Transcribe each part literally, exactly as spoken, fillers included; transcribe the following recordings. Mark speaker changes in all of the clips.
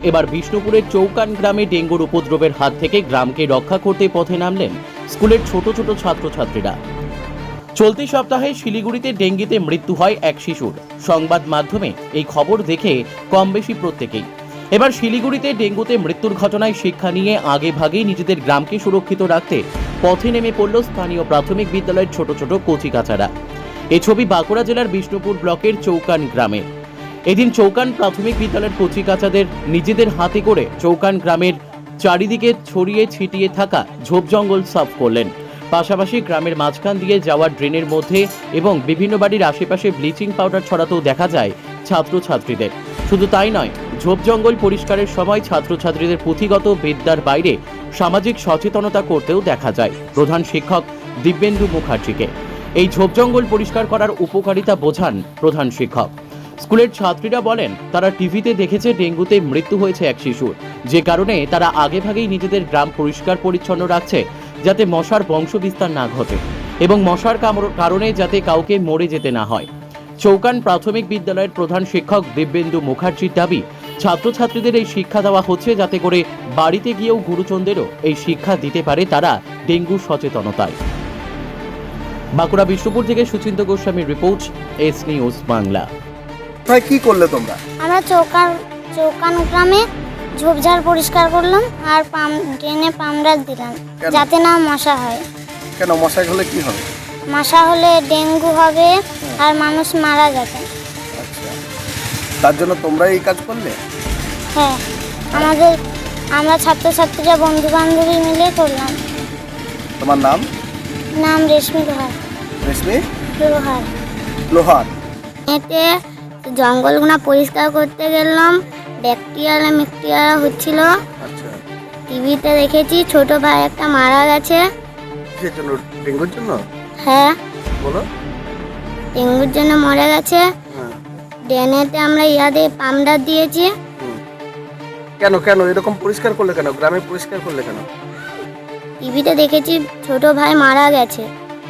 Speaker 1: এবার বিষ্ণুপুরের চৌকান গ্রামে ডেঙ্গুর উপদ্রবের হাত থেকে গ্রামকে রক্ষা করতে পথে নামলেন স্কুলের ছোট ছোট ছাত্রছাত্রীরা। চলতি সপ্তাহে শিলিগুড়িতে ডেঙ্গিতে মৃত্যু হয় এক শিশুর। সংবাদ মাধ্যমে এই খবর দেখে কম বেশি প্রত্যেকেই এবার শিলিগুড়িতে ডেঙ্গুতে মৃত্যুর ঘটনায় শিক্ষা নিয়ে আগে ভাগেই নিজেদের গ্রামকে সুরক্ষিত রাখতে পথে নেমে পড়ল স্থানীয় প্রাথমিক বিদ্যালয়ের ছোট ছোট কচিকাচারা। এই ছবি বাঁকুড়া জেলার বিষ্ণুপুর ব্লকের চৌকান গ্রামে। এদিন চৌকান প্রাথমিক বিদ্যালয়ের কচিকাচাদের নিজেদের হাতে করে চৌকান গ্রামের চারিদিকে ছড়িয়ে ছিটিয়ে থাকা ঝোপ জঙ্গল সাফ করলেন। পাশাপাশি গ্রামের মাঝখান দিয়ে যাওয়া ড্রেনের মধ্যে এবং বিভিন্ন বাড়ির আশেপাশে ব্লিচিং পাউডার ছড়াতেও দেখা যায় ছাত্রছাত্রীদের। শুধু তাই নয়, ঝোপ জঙ্গল পরিষ্কারের সময় ছাত্রছাত্রীদের পুঁথিগত বিদ্যার বাইরে সামাজিক সচেতনতা করতেও দেখা যায় প্রধান শিক্ষক দিব্যেন্দু মুখার্জিকে। এই ঝোপ জঙ্গল পরিষ্কার করার উপকারিতা বোঝান প্রধান শিক্ষক। স্কুলের ছাত্রীরা বলেন, তারা টিভিতে দেখেছে ডেঙ্গুতে মৃত্যু হয়েছে এক শিশুর, যে কারণে তারা আগেভাগেই নিজেদের গ্রাম পরিষ্কার পরিচ্ছন্ন রাখছে যাতে মশার বংশ বিস্তার না ঘটে এবং মশার কারণে যাতে কাউকে মরে যেতে না হয়। চৌকান প্রাথমিক বিদ্যালয়ের প্রধান শিক্ষক দিব্যেন্দু মুখার্জির দাবি, ছাত্রছাত্রীদের এই শিক্ষা দেওয়া হচ্ছে যাতে করে বাড়িতে গিয়েও গুরুজনদেরও এই শিক্ষা দিতে পারে তারা ডেঙ্গু সচেতনতায়। বাঁকুড়া বিষ্ণুপুর থেকে সুচিন্ত গোস্বামীর রিপোর্ট, এস নিউজ বাংলা।
Speaker 2: ভাই কি করলে তোমরা?
Speaker 3: আমরা চৌকান চৌকান গ্রামে ঝোপঝাড় পরিষ্কার করলাম আর পাম ড্রেনে পামরাজ দিলাম
Speaker 2: কেন?
Speaker 3: যাতে না মশা হয়।
Speaker 2: কেন মশাই হলে কি হবে?
Speaker 3: মশা হলে ডেঙ্গু হবে আর মানুষ মারা যাবে।
Speaker 2: আচ্ছা, তার জন্য তোমরা এই কাজ করলে?
Speaker 3: হ্যাঁ, আমাদের আমরা ছাত্রছাত্রীরা বন্ধু বান্ধবী মিলে করলাম।
Speaker 2: তোমার নাম?
Speaker 3: নাম রেশমি লোহার।
Speaker 2: রেশমি
Speaker 3: লোহার।
Speaker 2: লোহার।
Speaker 3: এতে জঙ্গলগুলো পরিষ্কার করতে গেলাম, ব্যাকটেরিয়া ম্যাকটেরিয়া হচ্ছিল।
Speaker 2: আচ্ছা,
Speaker 3: টিভিতে দেখেছি ছোট ভাই একটা মারা গেছে।
Speaker 2: কিসের জন্য? ডেঙ্গুর জন্য?
Speaker 3: হ্যাঁ,
Speaker 2: বলো।
Speaker 3: ডেঙ্গুর জন্য মরে গেছে।
Speaker 2: হ্যাঁ।
Speaker 3: ড্রেনেতে আমরা ইয়াদে পামডার দিয়েছি।
Speaker 2: হুম। কেন কেন এরকম পরিষ্কার করলে কেন? গ্রামে পরিষ্কার করলে কেন?
Speaker 3: টিভিতে দেখেছি ছোট ভাই মারা গেছে।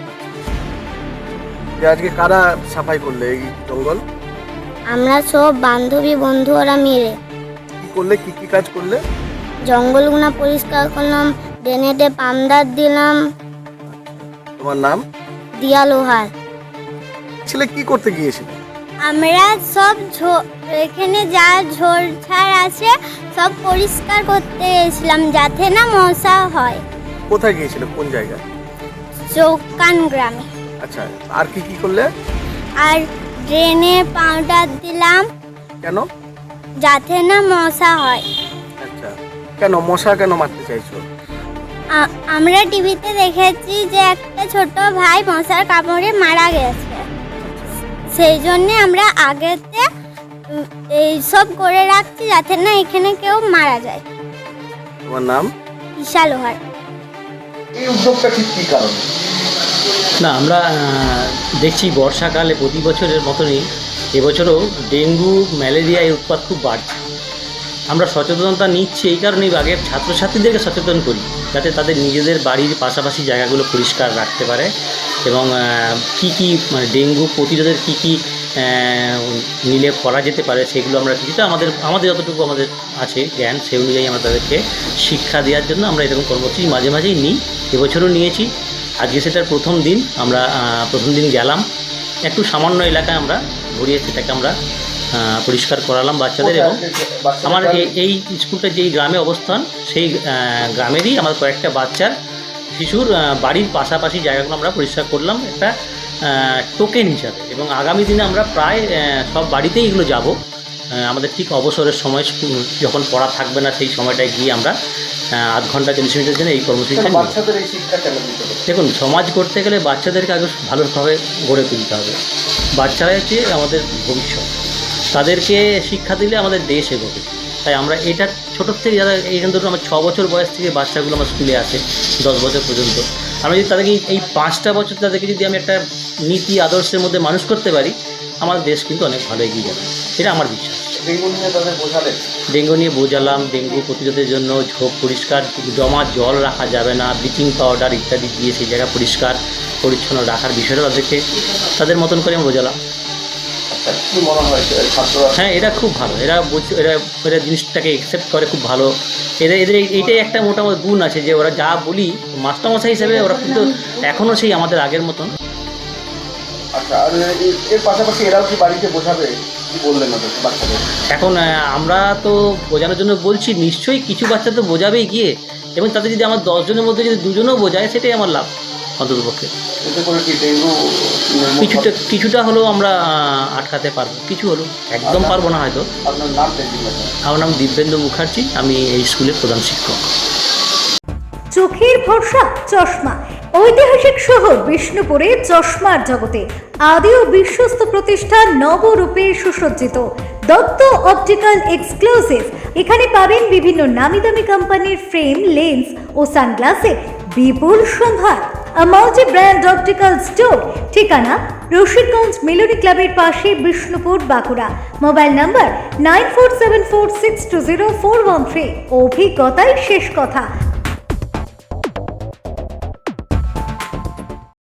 Speaker 2: যে আজকে কারা সাফাই করলে এই জঙ্গল?
Speaker 3: আমরা সব বান্ধবী বন্ধুরা মিলে
Speaker 2: কি করলে, কি কি কাজ করলে?
Speaker 3: জঙ্গলগুলো পরিষ্কার করলাম, ড্রেনেতে পামডার দিলাম।
Speaker 2: তোমার নাম?
Speaker 3: দিয়া লোহার।
Speaker 2: ছেলে কি করতে গিয়েছিল?
Speaker 3: আমরা সব এখানে যা ঝোড়ঝাড় আছে সব পরিষ্কার করতে গেছিলাম যাতে না মশা হয়।
Speaker 2: কোথায় গিয়েছিল? কোন জায়গায়?
Speaker 3: চৌকান গ্রামে।
Speaker 2: আচ্ছা, আর কি কি করলে?
Speaker 3: আর ড্রেনে পাউডার দিলাম
Speaker 2: কেন?
Speaker 3: যাতে না মশা হয়।
Speaker 2: আচ্ছা, কেন মশা কেন মারতে চাইছো?
Speaker 3: আ- আমরা টিভিতে দেখেছি যে একটা ছোট ভাই মশার কামড়ে মারা গেছে, সেই জন্য আমরা আগেতে উম, এইসব করে রাখছি যাতে না এখানে কেউ মারা যায়।
Speaker 2: তোমার নাম?
Speaker 3: ঈশা লোহার।
Speaker 2: এই উদ্যোগটা ঠিক কি কারণে?
Speaker 4: না, আমরা আহ, দেখছি বর্ষাকালে প্রতি বছরের মতনই এবছরও ডেঙ্গু ম্যালেরিয়া এর উৎপাত খুব বাড়ছে। আমরা সচেতনতা নিচ্ছি এই কারণেই, আগে ছাত্রছাত্রীদেরকে সচেতন করি যাতে তাদের নিজেদের বাড়ির পাশাপাশি জায়গাগুলো পরিষ্কার রাখতে পারে এবং কী কী মানে ডেঙ্গু প্রতিরোধের কী কী নিলে করা যেতে পারে সেগুলো আমরা কিছুটা আমাদের আমাদের যতটুকু আমাদের আছে জ্ঞান সেই অনুযায়ী আমরা তাদেরকে শিক্ষা দেওয়ার জন্য আমরা এরকম কর্মসূচি মাঝে মাঝেই নিই। এবছরও নিয়েছি। আজকে সেটার প্রথম দিন। আমরা প্রথম দিন গেলাম, একটু সামান্য এলাকায় আমরা ঘুরিয়ে সেটাকে আমরা পরিষ্কার করালাম বাচ্চাদের। এবং আমার এই স্কুলটা যেই গ্রামে অবস্থান সেই গ্রামেরই আমার কয়েকটা বাচ্চার শিশুর বাড়ির পাশাপাশি জায়গাগুলো আমরা পরিষ্কার করলাম একটা টোকেন হিসাবে। এবং আগামী দিনে আমরা প্রায় সব বাড়িতেই এগুলো যাব। আমাদের ঠিক অবসরের সময় যখন পড়া থাকবে না সেই সময়টায় গিয়ে আমরা আধ ঘন্টা চল্লিশ মিনিটের জন্য এই কর্মসূচিটা।
Speaker 2: বাচ্চাদের এই শিক্ষা কেন দিতে হবে?
Speaker 4: দেখুন, সমাজ করতে গেলে বাচ্চাদেরকে আগে ভালোভাবে গড়ে তুলতে হবে। বাচ্চারা হচ্ছে আমাদের ভবিষ্যৎ, তাদেরকে শিক্ষা দিলে আমাদের দেশ এগোবে। তাই আমরা এটা ছোটোর থেকে যারা এই ধরুন আমার ছ বছর বয়স থেকে বাচ্চাগুলো আমার স্কুলে আসে দশ বছর পর্যন্ত, আমরা যদি তাদেরকে এই পাঁচটা বছর তাদেরকে যদি আমি একটা নীতি আদর্শের মধ্যে মানুষ করতে পারি, আমার দেশ কিন্তু অনেক ভালো এগিয়ে যাবে, এটা আমার বিশ্বাস।
Speaker 2: ডেঙ্গু নিয়ে তাদের বোঝালে?
Speaker 4: ডেঙ্গু নিয়ে বোঝালাম, ডেঙ্গু প্রতিরোধের জন্য ঝোপ পরিষ্কার, জমা জল রাখা যাবে না, ব্লিচিং পাউডার ইত্যাদি দিয়ে সেই জায়গা পরিষ্কার পরিচ্ছন্ন রাখার বিষয়টা তাদেরকে তাদের মতন করে আমি বোঝালাম।
Speaker 2: কি মনে হয় ছাত্ররা?
Speaker 4: হ্যাঁ, এটা খুব ভালো, এরা বলছে, এরা এরা জিনিসটাকে একসেপ্ট করে খুব ভালো। এদের এদের এই- এইটাই একটা মোটামুটি গুণ আছে যে ওরা যা বলি মাস্টারমশাই হিসেবে ওরা কিন্তু এখনও সেই আমাদের আগের মতন।
Speaker 2: আচ্ছা, আর এ- এর পাশাপাশি এরাও কি বাড়িতে বোঝাবে? কি বললেন ওদের বাচ্চাদের?
Speaker 4: এখন আহ, আমরা তো বোঝানোর জন্য বলছি, নিশ্চয়ই কিছু বাচ্চা তো বোঝাবেই গিয়ে, এবং তাতে যদি আমার দশজনের মধ্যে যদি দুজনও বোঝায় সেটাই আমার লাভ অন্তত পক্ষে।
Speaker 2: এতে করে কি ডেঙ্গু নির্মূল
Speaker 4: কিছুটা
Speaker 2: হবে?
Speaker 4: কিছুটা হলেও আমরা আহ, আটকাতে পারবো, কিছু হলো, একদম পারবো না হয়তো।
Speaker 2: আপনার নাম দেখি না।
Speaker 4: আমার নাম দিব্যেন্দু মুখার্জি, আমি এই স্কুলের প্রধান শিক্ষক।
Speaker 5: চোখের ভরসা চশমা। ঐতিহাসিক শহর বিষ্ণুপুরে চশমার জগতে আদি ও বিশ্বস্ত প্রতিষ্ঠান নবরূপে সুসজ্জিত দত্ত অপটিক্যাল এক্সক্লুসিভ। এখানে পাবেন বিভিন্ন নামি দামি কোম্পানির ফ্রেম, লেন্স ও সানগ্লাসের বিপুল সম্ভার। A multi brand optical store. ঠিকানা রশিদগঞ্জ মিলনী ক্লাবের পাশে, Bishnupur, Bankura. Mobile number nine four seven four six two zero four one three. অভিজ্ঞতাই শেষ কথা।